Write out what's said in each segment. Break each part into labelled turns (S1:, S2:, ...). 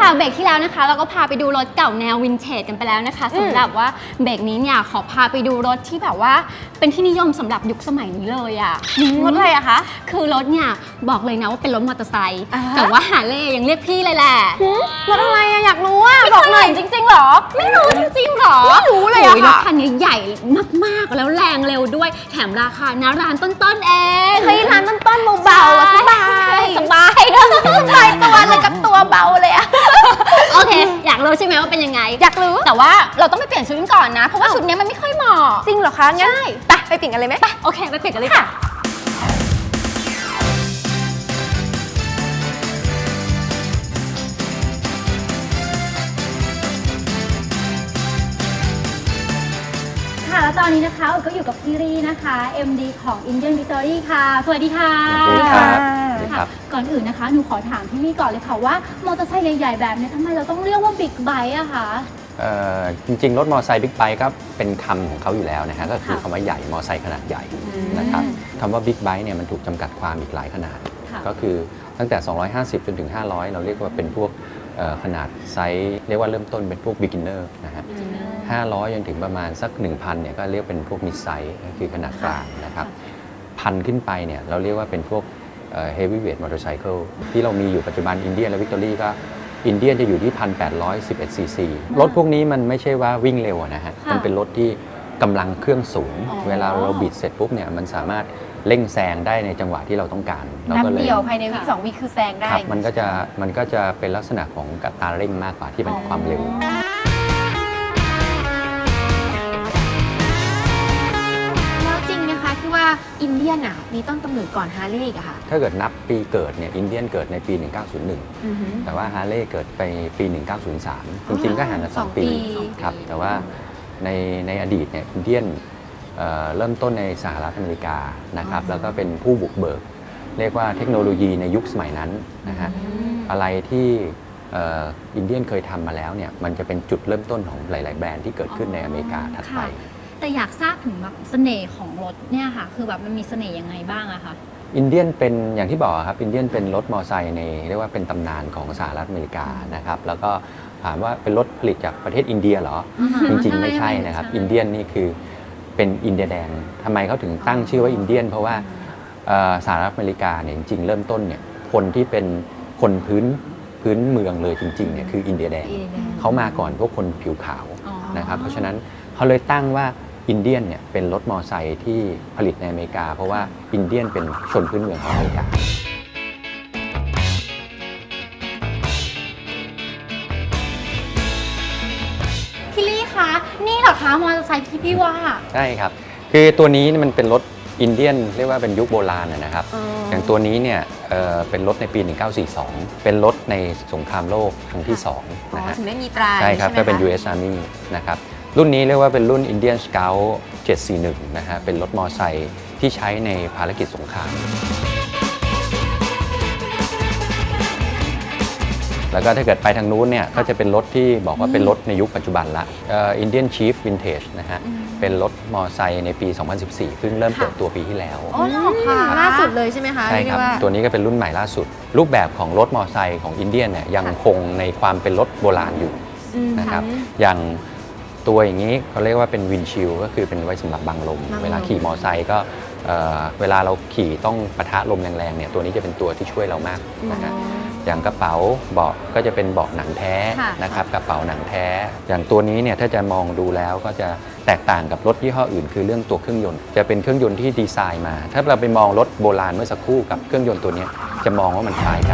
S1: ค่ะเบรกที่แล้วนะคะเราก็พาไปดูรถเก่าแนววินเทจกันไปแล้วนะคะสำหรับว่าเบรกนี้เนี่ยขอพาไปดูรถที่แบบว่าเป็นที่นิยมสำหรับยุคสมัยนี้เลยอ่ะ
S2: รถอะไรอะคะ
S1: คือรถเนี่ยบอกเลยนะว่าเป็นรถมอเตอร์ไซค์แต่ว่าฮาร์เลย์ยังเรียกพี่เลยแหละ
S2: รถอะไรอะอยากรู้อะบอกหน่อยจริงๆหรอ
S1: ไม่รู้จริงๆหรอ
S2: ไม่รู้เลยอะ
S1: รถคันนี้ใหญ่มากๆแล้วแรงเร็วด้วยแถมราคานะร้านต้นๆเอง
S2: เฮ้ยร้านต้นๆเบาๆสบาย
S1: สบาย
S2: ใช่ตัวเลยกับตัวเบาเลยอะ
S1: โอเคอยากรู้ใช่ไหมว่าเป็นยังไง
S2: อยากรู้
S1: แต่ว่าเราต้องไปเปลี่ยนชุดกันก่อนนะเพราะว่าชุดนี้มันไม่ค่อยเหมาะ
S2: จริงเหรอคะงั้นไปเปลี่ยนกันเลยไหม
S1: ไปโอเคไปเปลี่ยนกันเลยค่ะแล้วตอนนี้นะคะก็อยู่กับพี่รีนะคะ MD ของ Indian Victory ค่ะสวัสดีค่ะ
S3: สวัสดีครับ
S1: ก่อนอื่นนะคะหนูขอถามพี่รีก่อนเลยค่ะว่ามอเตอร์ไซค์ใหญ่ๆแบบนี้ทำไมเราต้องเรียกว่าบิ๊กไบค์อะคะ
S3: จริงๆรถมอเตอร์ไซค์บิ๊กไบค์ก็เป็นคำของเขาอยู่แล้วนะฮะก็คือคำว่าใหญ่มอเตอร์ไซค์ขนาดใหญ่นะครับคำว่าบิ๊กไบค์เนี่ยมันถูกจำกัดความอีกหลายขนาดก็คือตั้งแต่250จนถึง500เราเรียกว่าเป็นพวกขนาดไซส์เรียกว่าเริ่มต้นเป็นพวก beginner นะฮะ500จนถึงประมาณสัก 1,000 เนี่ยก็เรียกเป็นพวก mid size ก็คือขนาดกลางนะครับ1,000 ขึ้นไปเนี่ยเราเรียกว่าเป็นพวกheavyweight motorcycle ที่เรามีอยู่ปัจจุบัน Indian และ Victory ก็ Indian จะอยู่ที่ 1,811 cc รถพวกนี้มันไม่ใช่ว่าวิ่งเร็วนะฮะมันเป็นรถที่กำลังเครื่องสูงเวลาเราบิดเสร็จปุ๊บเนี่ยมันสามารถเร่งแซงได้ในจังหวะที่เราต้องการ
S2: เราก็เลยเดียวภายในวิ2วิคือแซงได้
S3: มันก็จะเป็นลักษณะของอัตราเร่งมากกว่าที่เป็นความเร็ว
S2: แล้วจริงนะคะที่ว่าอินเดียนมีต้นกำเนิดก่อนฮาร์เลย์อะค่ะ
S3: ถ้าเกิดนับปีเกิดเนี่ยอินเดียนเกิดในปี 1901แต่ว่าฮาร์เลย์เกิดไปปี 1903จริงๆก็ห่างกัน2 ปีครับแต่ว่าในอดีตเนี่ยอินเดียนเริ่มต้นในสหรัฐอเมริกานะครับแล้วก็เป็นผู้บุกเบิกเรียกว่าเทคโนโลยีในยุคสมัยนั้นนะฮะอะไรที่อินเดียนเคยทำมาแล้วเนี่ยมันจะเป็นจุดเริ่มต้นของหลายๆแบรนด์ที่เกิดขึ้นในอเมริกาถัดไป
S1: แต่อยากทราบถึงแบบเสน่ห์ของรถเนี่ยค่ะคือแบบมันมีเสน่ห์ยังไงบ้างอะคะ
S3: อินเดียนเป็นอย่างที่บอกครับอินเดียนเป็นรถมอเตอร์ไซค์ในเรียกว่าเป็นตำนานของสหรัฐอเมริกานะครับแล้วก็ถามว่าเป็นรถผลิตจากประเทศอินเดียเหรอจริงๆไม่ใช่นะครับอินเดียนนี่คือเป็นอินเดียแดงทำไมเขาถึงตั้งชื่อว่าอินเดียนเพราะว่าสหรัฐอเมริกาเนี่ยจริงๆเริ่มต้นเนี่ยคนที่เป็นคนพื้นเมืองเลยจริงๆเนี่ยคืออินเดียแดงเขามาก่อนพวกคนผิวขาวนะครับเพราะฉะนั้นเขาเลยตั้งว่าอินเดียนเนี่ยเป็นรถมอเตอร์ไซค์ที่ผลิตในอเมริกาเพราะว่าอินเดียนเป็นชนพื้นเมืองของอเมริกา
S1: พี่ลี่คะนี่เหรอคะมอเตอร์ไซค์ที่พี่ว่า
S3: ใช่ครับคือตัวนี้มันเป็นรถอินเดียนเรียกว่าเป็นยุคโบราณนะครับอย่างตัวนี้เนี่ยเป็นรถในปี 1942 เป็นรถในสงครามโลกครั้งที่2นะฮะ
S2: ถึงได้มีตรา
S3: ใช่ครับก็เป็น US Army นะครับรุ่นนี้เรียกว่าเป็นรุ่น Indian Scout 741 นะฮะเป็นรถมอเตอร์ไซค์ที่ใช้ในภารกิจสงครามแล้วก็ถ้าเกิดไปทางนู้นเนี่ยก็จะเป็นรถที่บอกว่าเป็นรถในยุคปัจจุบันละ Indian Chief Vintage นะฮะเป็นรถมอเตอร์ไซค์ในปี 2014เพิ่งเริ่มเปิดตัวปีที่แล้ว
S2: อ๋อค่ะล่าสุดเลยใช่ไหมคะ
S3: ใช่ครับตัวนี้ก็เป็นรุ่นใหม่ล่าสุดรูปแบบของรถมอเตอร์ไซค์ของอินเดียเนี่ยยังคงในความเป็นรถโบราณอยู่นะครับอย่างตัวอย่างนี้เขาเรียกว่าเป็นวินชิลก็คือเป็นไว้สำหรับบังลมเวลาขี่มอเตอร์ไซค์ก็เวลาเราขี่ต้องปะทะลมแรงๆเนี่ยตัวนี้จะเป็นตัวที่ช่วยเรามากนะฮะอย่างกระเป๋าเบาะก็จะเป็นเบาะหนังแท้นะครับกระเป๋าหนังแท้อย่างตัวนี้เนี่ยถ้าจะมองดูแล้วก็จะแตกต่างกับรถยี่ห้ออื่นคือเรื่องตัวเครื่องยนต์จะเป็นเครื่องยนต์ที่ดีไซน์มาถ้าเราไปมองรถโบราณเมื่อสักครู่กับเครื่องยนต์ตัวนี้จะมองว่ามันคล้ายกัน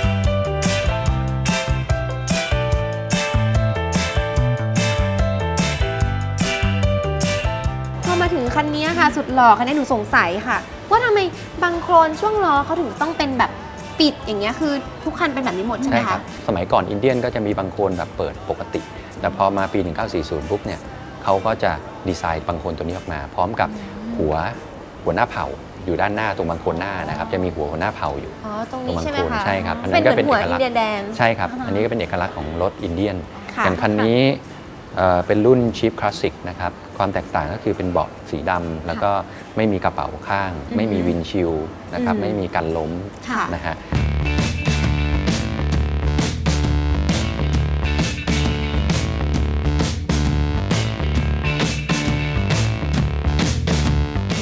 S2: มาถึงคันนี้ค่ะสุดหล่อคันนี้หนูสงสัยค่ะว่าทำไมบางโครนช่วงล้อเขาถึงต้องเป็นแบบปิดอย่างเงี้ยคือทุกคันเป็นแบบนี้หมดใช่ไหมคะ
S3: สมัยก่อนอินเดียนก็จะมีบางโครนแบบเปิดปกติแต่พอมาปี 1940 ปุ๊บเนี่ยเขาก็จะดีไซน์บางโครนตัวนี้ออกมาพร้อมกับหัวหน้าเผาอยู่ด้านหน้าตรงบางโครนหน้านะครับจะมีหัวหน้าเผาอยู่
S2: ตรงนี้ใช่ไหมคะ
S3: ใช่ครับอันนั้นก็เป็นเอกลักษณ์
S2: ใช่
S3: ครับอันนี้ก็เป็นเอกลักษณ์ของรถอินเดียนอย่างคันนี้เป็นรุ่น Chief Classic นะครับความแตกต่างก็คือเป็นเบาะสีดำแล้วก็ไม่มีกระเป๋าข้างไม่มีวินชิลนะครับไม่มีกันล้มนะฮะ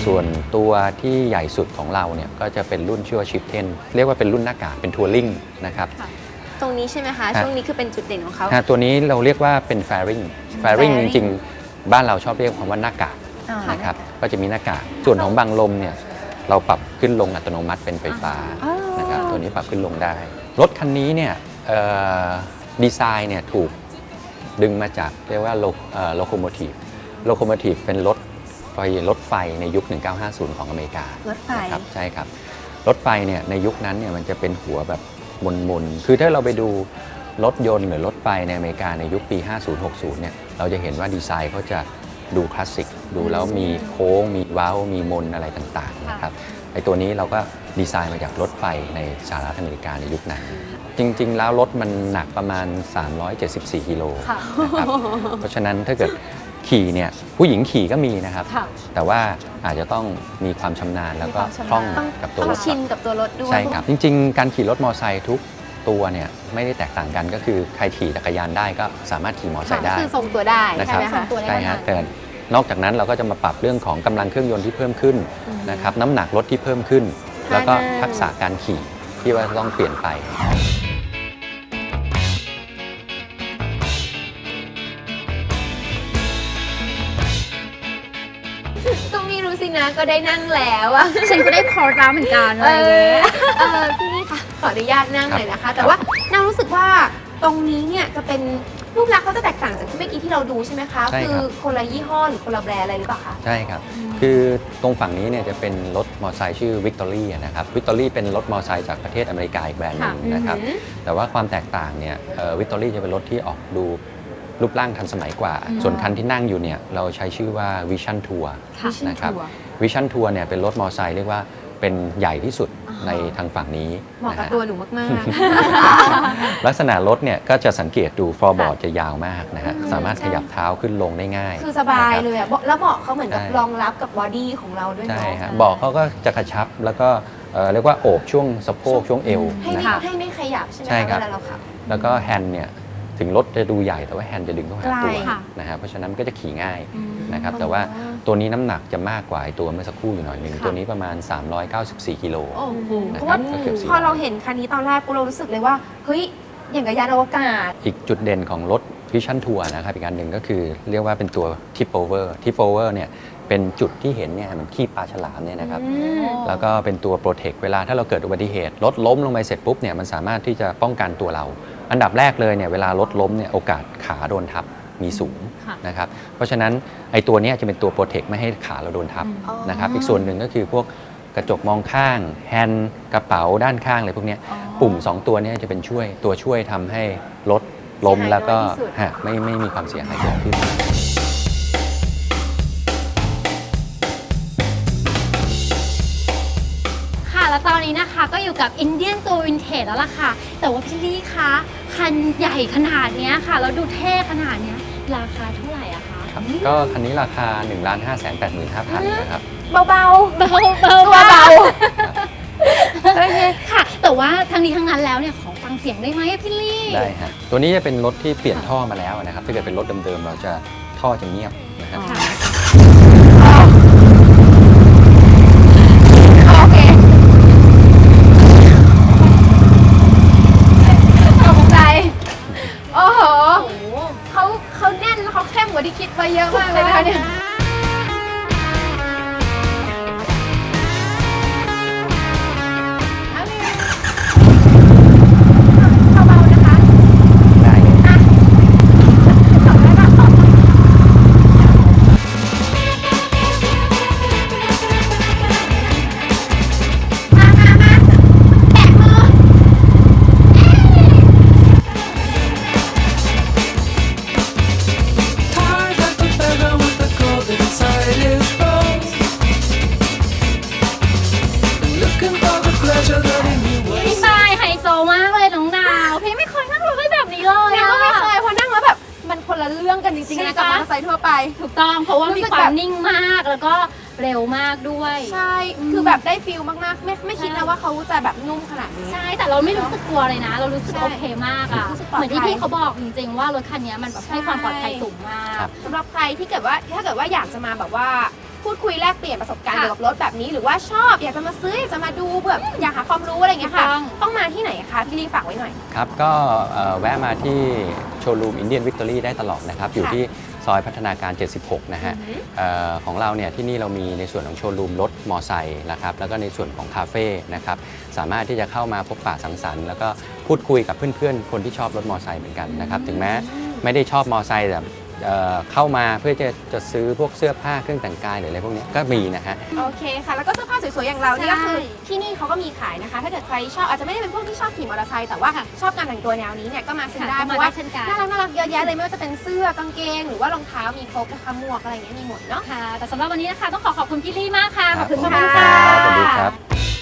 S3: ส่วนตัวที่ใหญ่สุดของเราเนี่ยก็จะเป็นรุ่นชื่อว่า Chieftain เรียกว่าเป็นรุ่นหน้ากากเป็นทัวริงนะครับ
S2: ตรงนี้ใช่ไหมคะ ช่วงนี้คือเป็นจุดเด่นของเขา
S3: ตัวนี้เราเรียกว่าเป็น Fairing จริงๆ บ้านเราชอบเรียกคำว่าหน้ากากนะครับก็จะมีหน้ากากส่วนของบังลมเนี่ยเราปรับขึ้นลงอัตโนมัติเป็นไฟฟ้านะครับตัวนี้ปรับขึ้นลงได้รถคันนี้เนี่ยดีไซน์เนี่ยถูกดึงมาจากเรียกว่าโลโคโมทีฟเป็นรถไฟในยุค 1950 ของอเมริการ
S2: ถไฟ
S3: นะครับใช่ครับรถไฟเนี่ยในยุคนั้นเนี่ยมันจะเป็นหัวแบบมนคือถ้าเราไปดูรถยนต์หรือรถไฟในอเมริกาในยุคปี 50-60 เนี่ยเราจะเห็นว่าดีไซน์เขาจะดูคลาสสิกดูแล้วมีโค้งมีเว้ามีมนอะไรต่างๆนะครับไอ้ตัวนี้เราก็ดีไซน์มาจากรถไฟในสหรัฐอเมริกาในยุคนั้นจริงๆแล้วรถมันหนักประมาณ 374 กิโลนะครับเพราะฉะนั้นถ้าเกิดขี่เนี่ยผู้หญิงขี่ก็มีนะครับแต่ว่าอาจจะต้องมีความชำนาญแล้วก็คล่องกับตัวรถ
S2: ชินกับตัวรถด้วย
S3: ใช่ครับจริงๆการขี่รถมอเตอร์ไซค์ทุกตัวเนี่ยไม่ได้แตกต่างกันก็คือใครขี่จักรยานได้ก็สามารถขี่มอเตอร์ไซค์ได้
S2: คือทรงตัวได้
S3: นะค
S2: ใช่
S3: รับ
S2: ไหมคะ
S3: ใช่ฮะแต่นอกจากนั้นเราก็จะมาปรับเรื่องของกำลังเครื่องยนต์ที่เพิ่มขึ้นนะครับน้ำหนักรถที่เพิ่มขึ้น แล้วก็ทักษะการขี่ที่ว่าต้องเปลี่ยนไป
S2: ตรงนี้รู้สินะก็ได้นั่งแล้วอะ
S1: ฉันก็ได้พอร์ตแล้วเหมือนกันอะไรอย่างเงี้ย
S2: พี่นี่ค่ะขออนุญาตนั่งเลยนะคะ แต่ว่าน่ารู้สึกว่าตรงนี้เนี่ยจะเป็นรูปลักษณ์เขาจะแตกต่างจากที่เมื่อกี้ที่เราดูใช่ไหมคะ
S3: ใช่
S2: คื
S3: ครับ
S2: คนละยี่ห้อหรือคนละแบรนด์อะไรหรือเปล่าคะ
S3: ใช่ครับคือตรงฝั่งนี้เนี่ยจะเป็นรถมอเตอร์ไซค์ชื่อวิกตอรี่นะครับวิกตอรี่เป็นรถมอเตอร์ไซค์จากประเทศอเมริกาอีกแบรนด์หนึงนะครับแต่ว่าความแตกต่างเนี่ยวิกตอรี่จะเป็นรถที่ออกดูรูปร่างทันสมัยกว่า ส่วนคันที่นั่งอยู่เนี่ยเราใช้ชื่อว่า Vision Tour นะครับ Vision Tour เนี่ยเป็นรถมอเตอร์ไซค์เรียกว่าเป็นใหญ่ที่สุดในทางฝั่งนี้
S2: เหมาะ
S3: นะ
S2: กับ
S3: ฮะ
S2: ตัวหนูมาก
S3: ลักษณะรถเนี่ยก็จะสังเกตดูฟอร์บอร์ดจะยาวมากนะฮะสามารถขยับเท้าขึ้นลงได้ง่าย
S2: ๆ คือสบายเลยอะแล้วเบาะเขาเหมือนกับ
S3: ใช่
S2: รองรับกับบอดี้ของเราด้วย
S3: ใช่
S2: เนาะ
S3: ฮะเบาะเขาก็จะกระชับแล้วก็เรียกว่าโอบช่วงสะโพกช่วงเอว
S2: ให้
S3: นะ
S2: ไม่
S3: ครับ
S2: ให้ไม่ขยับใช่ไหม
S3: ใช่ครับ
S2: เวลาเราขับ
S3: แล้วก็แฮนด์เนี่ยถึงรถจะดูใหญ่แต่ว่าแฮนด์จะดึงเข้าหาตัว
S2: ไกล
S3: นะฮะเพราะฉะนั้นมันก็จะขี่ง่ายนะครับแต่ว่าตัวนี้น้ำหนักจะมากกว่าไอ้ตัวเมื่อสักครู่อยู่หน่อยหนึ่งตัวนี้ประมาณ 394 กิโล
S2: โอ้โห
S3: นะ
S2: เพ
S3: ครั
S2: ราะ
S3: บ
S2: ว่า
S3: ก็เกือบ400
S2: พอเราเห็นคันนี้ตอนแรกเรารู้สึกเลยว่าเฮ้ยอย่างกับยานอวกาศ
S3: อีกจุดเด่นของรถ Vision Tour นะครับอีกอันหนึ่งก็คือเรียกว่าเป็นตัว Tip Over เนี่ยเป็นจุดที่เห็นเนี่ยเหมือนขี้ปลาฉลามเนี่ยนะครับแล้วก็เป็นตัว Protect เวลาถ้าเราเกิดอุบัติเหตุรถล้มลงไปเสร็จปุ๊บเนี่ยมันสามารถที่จะป้องกันตัวเรา อันดับแรกเลยเนี่ยเวลารถล้มเนี่ยโอกาสขาโดนทับมีสูงนะครับเพราะฉะนั้นไอ้ตัวเนี้ยจะเป็นตัว Protect ไม่ให้ขาเราโดนทับนะครับอีกส่วนหนึ่งก็คือพวกกระจกมองข้างแฮนด์กระเป๋าด้านข้างอะไรพวกเนี้ยปุ่ม 2 ตัวเนี้จะเป็นตัวช่วยทำให้รถล้มแล้วก็ไม่มีความเสียหายเกิดขึ้น
S1: ค่ะแล้วตอนนี้นะคะก็อยู่กับอินเดียนตัววินเทจแล้วล่ะค่ะ แต่ว่าพี่ลี่คะคันใหญ่ขนาดเนี้ยค่ะแล้วดูเท่ขนาดเนี้ยราคาเท่าไหร่อะคะ
S3: ครับก็คันนี้ราคา 1,585,000 นะครับ
S2: เบา
S1: เบาๆ
S2: ตัวเบา
S1: โอเคค่ะ แต่ว่าทั้งนี้ทั้งนั้นแล้วเนี่ยขอฟังเสียงได้ไหมอะพี่ลี่
S3: ได้ฮะตัวนี้จะเป็นรถที่เปลี่ยนท่อมาแล้วนะครับถ้าเกิดเป็นรถเดิมๆเราจะท่อจะเงียบนะฮะ
S1: ค่ะ
S2: โอเคตกใจโอ้โหเขาแน่นแล้วเขาเข้มกว่าที่คิดไว้เยอะมากเลยนะคะเนี่ยเบาๆนะคะ
S3: ได้เลย
S2: ขับได้ปะมาแตะมือ
S4: Tired like the beggar with the gold inside his bones. Looking for the pleasure that he knew
S1: พี่
S4: was.
S1: ปายไฮโซมากเลยน้องดาวพี่ไม่เคยนั่งรถแบบนี้เลย
S2: เรา
S1: อะ
S2: ก็ไม่เคยเพราะนั่งแล้วแบบมันคนละเรื่องกันจริงๆนะกับมอเตอร์ไซค์ทั่วไป
S1: ถูกต้องเพราะว่า
S2: รู้
S1: มี
S2: สึก
S1: ควา
S2: แบ
S1: ม
S2: บ
S1: นิ่งมากแล้วก็เร็วมากด้วย
S2: ใช่ คือแบบได้ฟิลมากๆ ไม่คิดนะว่าเขาจะแบบนุ่มขนาดนี้
S1: ใช่แต่เราไม่รู้สึกกลัวเลยนะ เรารู้สึก
S2: ใช่
S1: โอเคมากอะ
S2: รู้สึกปลอดภัย
S1: เหมือนที่พี่เขาบอกจริงๆว่ารถคันนี้มันแบบให้ความปลอดภัยสูงมาก
S3: ครับ
S2: สำหรับใครที่ถ้าเกิดว่าอยากจะมาแบบว่าพูดคุยแลกเปลี่ยนประสบการณ์เกี่ยวกับรถแบบนี้หรือว่าชอบอยากจะมาซื้ออยากจะมาดูแบบอยากหาความรู้อะไรอย่างเงี้ยค่ะ ต้องมาที่ไหนคะพี่ลีฝากไว้หน่อย
S3: ครับก็แวะมาที่โชว์รูม Indian Victory ได้ตลอดนะครับ อยู่ที่ซอยพัฒนาการ 76 นะฮะของเราเนี่ยที่นี่เรามีในส่วนของโชว์รูมรถมอไซค์นะครับแล้วก็ในส่วนของคาเฟ่นะครับสามารถที่จะเข้ามาพบปะสังสรรค์แล้วก็พูดคุยกับเพื่อนๆคนที่ชอบรถมอไซค์เหมือนกันนะครับถึงแม้ไม่ได้ชอบมอไซค์แต่เข้ามาเพื่อจะซื้อพวกเสื้อผ้าเครื่องแต่งกายหรืออะไรพวกนี้ก็มีนะฮะ
S2: โอเคค่ะ แล้วก็เสื้อผ้าสวยๆ อย่างเราเนี่ย
S1: ใช่
S2: ก็คือที่นี่เขาก็มีขายนะคะ ถ้าเกิดใครชอบอาจจะไม่ได้เป็นพวกที่ชอบขี่มอเตอร์ไซค์แต่ว่าชอบการแต่งตัวแนวนี้เนี่ยก็มาซื้อได้
S1: ค่ะ
S2: เพราะว่า
S1: ก็มาได้เช่นกัน
S2: น่ารักเยอะแยะเลยไม่ว่าจะเป็นเสื้อกางเกงหรือว่ารองเท้ามีครบนะคะหมวกอะไรอย่างเงี้ยมีหมดเนาะ
S1: ค่ะ แต่สำหรับวันนี้นะคะต้องขอบคุณพี่ลี่มากค่ะ
S3: ครับ
S1: ขอบคุณ
S2: ขอบ
S1: มา
S2: คุ
S1: ก
S2: ณ
S1: ค่ะ
S2: ค่ะ
S3: สวัสดีครับ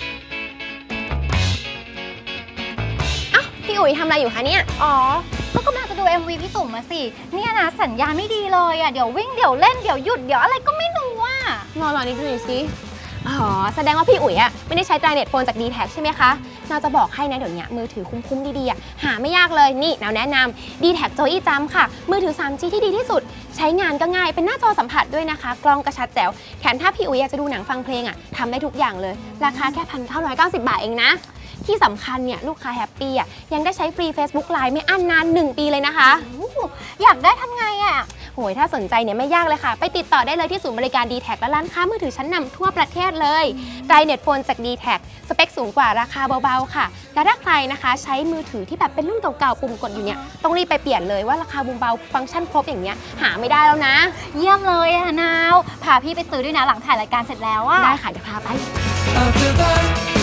S2: พี่อุ๋ยทำอะไรอยู่คะเนี่ย
S1: อ๋อ ก็กำลังจะดู MV พี่จุ๋มมาสิ เนี่ยนะสัญญาณไม่ดีเลยอ่ะ เดี๋ยววิ่งเดี๋ยวเล่นเดี๋ยวหยุดเดี๋ยวอะไรก็ไม่รู้ว่า
S2: รอนิดดูหน่อยสิอ๋อแสดงว่าพี่อุ๋ยอะไม่ได้ใช้ Tri-Net Phone จาก D-Tag ใช่ไหมคะเราจะบอกให้นะเดี๋ยวนี้มือถือคุ้มๆดีๆอะหาไม่ยากเลยนี่เราแนะนำ D-Tag Joy Jump ค่ะมือถือ 3G ที่ดีที่สุดใช้งานก็ง่ายเป็นหน้าจอสัมผัสด้วยนะคะกล้องกระชัดแจ๋วแถมถ้าพี่อุ๋ยอยากจะดูหนังฟังเพลงอะทำได้ทุกอย่างเลยราคาแค่ 1,990 บาทเองนะที่สำคัญเนี่ยลูกค้าแฮปปี้อะยังได้ใช้ฟรี Facebook Live ไม่อั้นนาน 1 ปีเลยนะคะ
S1: อยากได้ทำไงอ่ะ
S2: โหยถ้าสนใจเนี่ยไม่ยากเลยค่ะ ไปติดต่อได้เลยที่ศูนย์บริการ D-Tag และร้านค้ามือถือชั้นนำทั่วประเทศเลย Tri-Net Phone จาก D-Tag สเปคสูงกว่าราคาเบาๆค่ะ และถ้าใครนะคะใช้มือถือที่แบบเป็นรุ่นเก่าๆปุ่มกดอยู่เนี่ยต้องรีบไปเปลี่ยนเลยว่าราคาเบาๆฟังก์ชันครบอย่างเงี้ยหาไม่ได้แล้วนะ
S1: เยี่ยมเลยอะนาว พาพี่ไปซื้อด้วยนะหลังถ่ายรายการเสร็จแล้วอะ
S2: ได้ค่ะเดี๋ยวพาไป
S4: After that